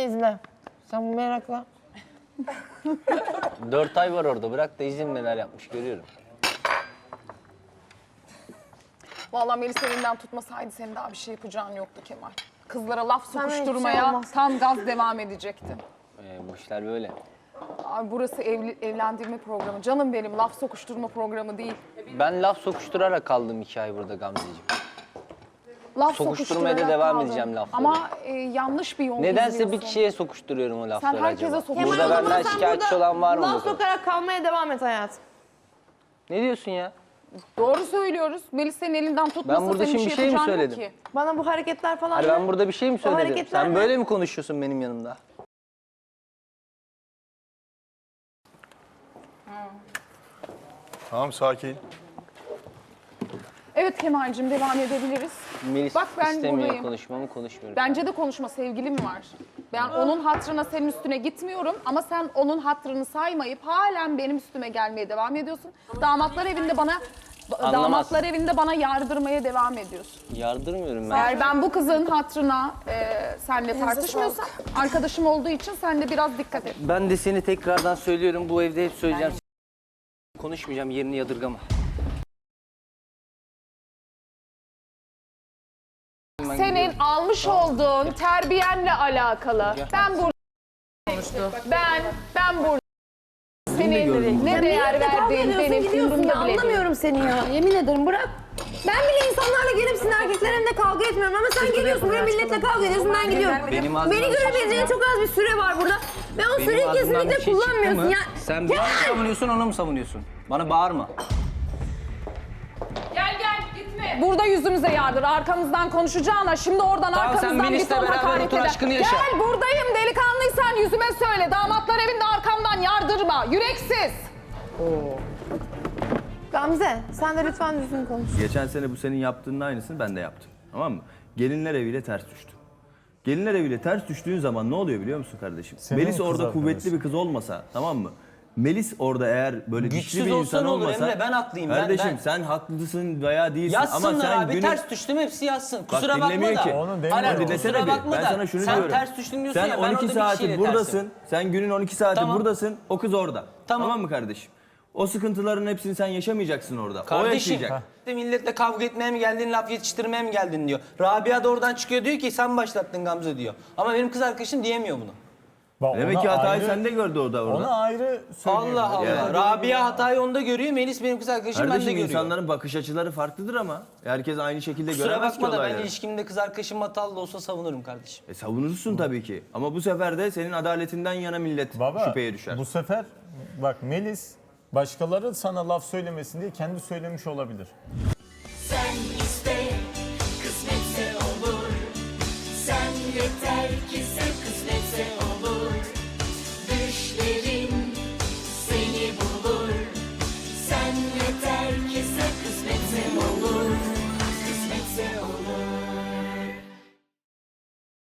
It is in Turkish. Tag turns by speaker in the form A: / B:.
A: izle. Sen bu merakla.
B: 4 ay var orada. Bırak da izin neler yapmış görüyorum.
C: Vallahi Melis elinden tutmasaydı senin daha bir şey yapacağın yoktu Kemal. Kızlara laf
A: Sana hiçbir şey
C: sokuşturmaya
A: olmaz.
C: tam gaz devam edecekti.
B: Bu işler böyle.
C: Abi burası evlendirme programı. Canım benim, laf sokuşturma programı değil.
B: Ben laf sokuşturarak kaldım 2 ay burada Gamzeciğim.
C: Laf
B: Sokuşturmaya da
C: sokuşturarak
B: devam
C: kaldın.
B: edeceğim lafları.
C: Ama yanlış bir yol
B: Nedense
C: izliyorsun.
B: bir kişiye sokuşturuyorum o lafları
C: herkese
B: acaba.
C: sokuyorsun.
B: Burada
A: Kemal, o zaman
B: benden
A: sen
B: şikayetçi
A: burada
B: olan var mı?
A: laf
B: bakalım?
A: sokarak kalmaya devam et hayatım.
B: Ne diyorsun ya?
C: Doğru söylüyoruz. Melis senin elinden tutmasa
B: Ben burada
C: senin
B: şimdi
C: bir
B: bir şey mi
C: yapacağın yok
B: söyledim?
C: ki.
A: Bana bu hareketler falan...
B: Hani ben burada bir şey mi söyledim?
A: hareketler
B: Sen
A: ne?
B: böyle mi konuşuyorsun benim yanımda?
D: Tamam sakin.
C: Evet Kemal'cim devam edebiliriz.
B: Melis
C: Bak ben
B: istemiyor
C: buradayım.
B: konuşmamı konuşmuyorum.
C: Bence de konuşma, sevgilim var. Ben onun hatırına senin üstüne gitmiyorum ama sen onun hatırını saymayıp halen benim üstüme gelmeye devam ediyorsun. Damatlar evinde bana yardırmaya devam ediyorsun.
B: Yardırmıyorum ben.
C: Eğer ben bu kızın hatırına seninle tartışmıyorsam, arkadaşım olduğu için sen de biraz dikkat et.
B: Ben de seni tekrardan söylüyorum. Bu evde hep söyleyeceğim. Konuşmayacağım, yerini yadırgama.
C: Senin almış olduğun terbiyenle alakalı. Ben burada ben burada senin ne değer verdiğin benim
A: gidiyorsun ya,
C: umurumda bile değil.
A: anlamıyorum seni ya. Yemin ederim bırak. Ben bile insanlarla gelip sizin erkeklerimle kavga etmiyorum ama sen geliyorsun buraya milletle kavga ediyorsun, ben gidiyorum.
B: Benim ağzımdan
A: Beni
B: bir şey
A: görebileceğin çok az bir süre var burada. Ve o
B: Benim
A: süreyi
B: ağzımdan bir
A: kesinlikle
B: şey çıktı
A: kullanmıyorsun
B: mı?
A: ya.
B: Sen beni mi savunuyorsun, onu mu savunuyorsun? Bana bağırma.
C: Gel gitme. Burada yüzümüze yardır. Arkamızdan konuşacağına şimdi oradan
B: Tamam, sen
C: arkamızdan bir
B: Melis'le
C: ton
B: beraber
C: hakaret
B: otur,
C: eder.
B: aşkını yaşa.
C: Gel buradayım, delikanlıysan yüzüme söyle. Damatlar evinde arkamdan yardırma. Yüreksiz.
A: Gamze sen de lütfen düzgün konuş.
E: Geçen sene bu senin yaptığının aynısını ben de yaptım. Tamam mı? Gelinler eviyle ters düştüm. Gelinler eviyle ters düştüğün zaman ne oluyor biliyor musun kardeşim?
F: Senin
E: Melis
F: kız
E: orada
F: arkadaşın.
E: kuvvetli bir kız olmasa, tamam mı? Melis orada eğer böyle
B: Güçsüz
E: güçlü bir
B: olsa
E: insan
B: ne olur
E: olmasa...
B: Emre? Ben haklıyım, ben-
E: Kardeşim
B: ben.
E: sen haklısın veya değilsin ama
B: Yazsınlar
E: sen
B: abi, ters düştüm hepsi yazsın. Kusura bakma
E: dinlemiyor
B: da.
E: ki.
F: Onu demiyorum.
B: Hayır,
F: Onu
E: Dinlesene
B: kusura
E: bir.
B: bakma
E: Ben
B: da.
E: sana şunu
B: sen
E: diyorum.
B: ters düştün diyorsun
E: sen
B: ya, ben
E: 12
B: orada bir
E: saati
B: kişiyle
E: buradasın.
B: tersim.
E: Sen günün 12 saati
B: Tamam.
E: buradasın. O kız orada.
B: Tamam.
E: Tamam mı kardeşim? O sıkıntıların hepsini sen yaşamayacaksın orada. O
B: Kardeşim,
E: yaşayacak.
B: milletle kavga etmeye mi geldin, laf yetiştirmeye mi geldin diyor. Rabia da oradan çıkıyor diyor ki sen başlattın Gamze diyor. Ama benim kız arkadaşım diyemiyor bunu.
F: Bak,
E: Demek
F: ona
E: ki hatayı
F: ayrı-
E: sende gördü orada.
F: Ona ayrı söyleyeyim.
B: Allah Allah.
E: Yani.
B: Rabia hatayı onda görüyor, Melis benim kız arkadaşım ben de
E: Kardeşim
B: görüyor.
E: insanların bakış açıları farklıdır ama herkes aynı şekilde
B: Kusura
E: göremez ki
B: bakma da ben
E: olayları.
B: ilişkimde kız arkadaşım hatalı da olsa savunurum kardeşim.
E: Savunursun tabii ki. Ama bu sefer de senin adaletinden yana millet
F: Baba,
E: şüpheye düşer.
F: bu sefer bak Melis başkaları sana laf söylemesin diye kendi söylemiş olabilir.
G: Sen iste, kısmetse olur. Sen yeter ki sen kısmetse olur.